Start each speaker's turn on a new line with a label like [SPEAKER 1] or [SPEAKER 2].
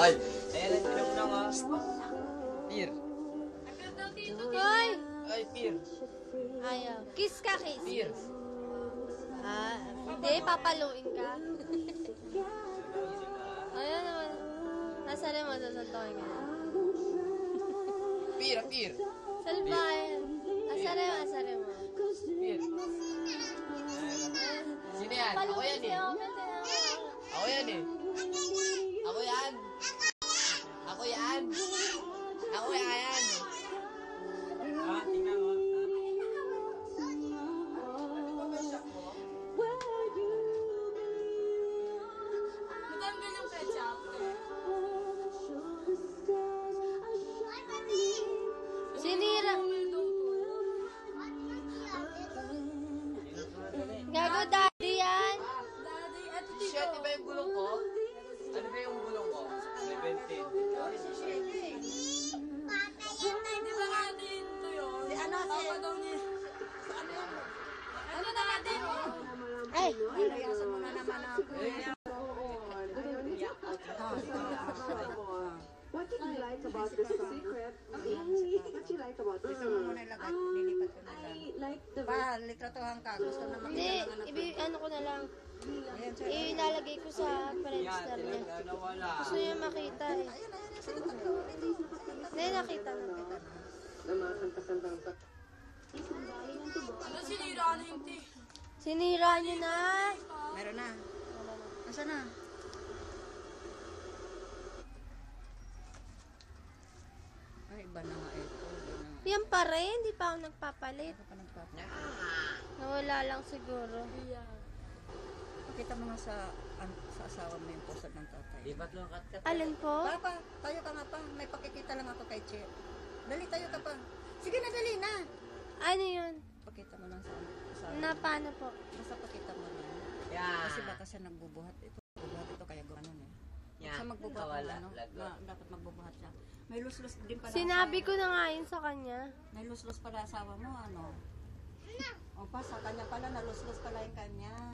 [SPEAKER 1] Ay! Ayan ang tinog na nga. Pir.
[SPEAKER 2] Hoy!
[SPEAKER 1] Ay, Pir.
[SPEAKER 2] Ayaw. Kiss ka, kiss.
[SPEAKER 1] Pir.
[SPEAKER 2] Hindi, papaluin ka. Ayun naman. Nasali mo, sasantokin ka.
[SPEAKER 1] Pir, Pir.
[SPEAKER 2] Salbayan. Asari mo.
[SPEAKER 1] Pir. Sino yan? Ako yan eh. Ako yan eh. Ako yan. Ako yan. Ako yan. Tingnan mo.
[SPEAKER 2] Matanggal yung ketchup. Sinira. Gago, daddy yan.
[SPEAKER 1] Shit, di ba yung gulong ko? Ano ba yung gulong ko? 17.
[SPEAKER 2] Di ba natin ito yun? Si ano niya? Ano na natin? Ay! Ilayasan mo na naman ako.
[SPEAKER 3] What did you like about this song? Secret. What you like about this song?
[SPEAKER 4] Nilipat ko na lang.
[SPEAKER 3] I like the
[SPEAKER 4] Litratuhan ka. Gusto na
[SPEAKER 2] Hindi, ano ko na lang. Ilalagay ko sa Friendster niya. Gusto niya makita eh. Hindi, nakita na. Sinira niyo na.
[SPEAKER 4] Meron na. Nasaan na? Ay, iba na nga ito.
[SPEAKER 2] Yan pa rin, hindi pa ako nagpapalit.
[SPEAKER 4] Ano pa nagpapalit?
[SPEAKER 2] Nawala lang siguro.
[SPEAKER 4] Pakita mo nga sa asawa mo yung poster ng tatay.
[SPEAKER 1] Di ba't lang kat-kat?
[SPEAKER 2] Alin po?
[SPEAKER 4] Papa, tayo ka nga pa. May pakikita lang ako kay Che. Dali, tayo ka pa. Sige na, dali na.
[SPEAKER 2] Ano yun?
[SPEAKER 4] Pakita mo lang sa asawa.
[SPEAKER 2] Na paano po?
[SPEAKER 4] Basta pakita mo lang.
[SPEAKER 1] Yan.
[SPEAKER 4] Kasi baka siya nagbubuhat ito. Bubuhat ito kaya gano'n eh.
[SPEAKER 1] Yan.
[SPEAKER 4] Sa magbubuhat
[SPEAKER 1] Nawala.
[SPEAKER 4] ng ano, na, dapat magbubuhat siya. May luslus din pala.
[SPEAKER 2] Sinabi ko na nga yun sa kanya.
[SPEAKER 4] May luslus pala asawa mo, ano? O pa, sa kanya pala, naluslus pala yung kanya.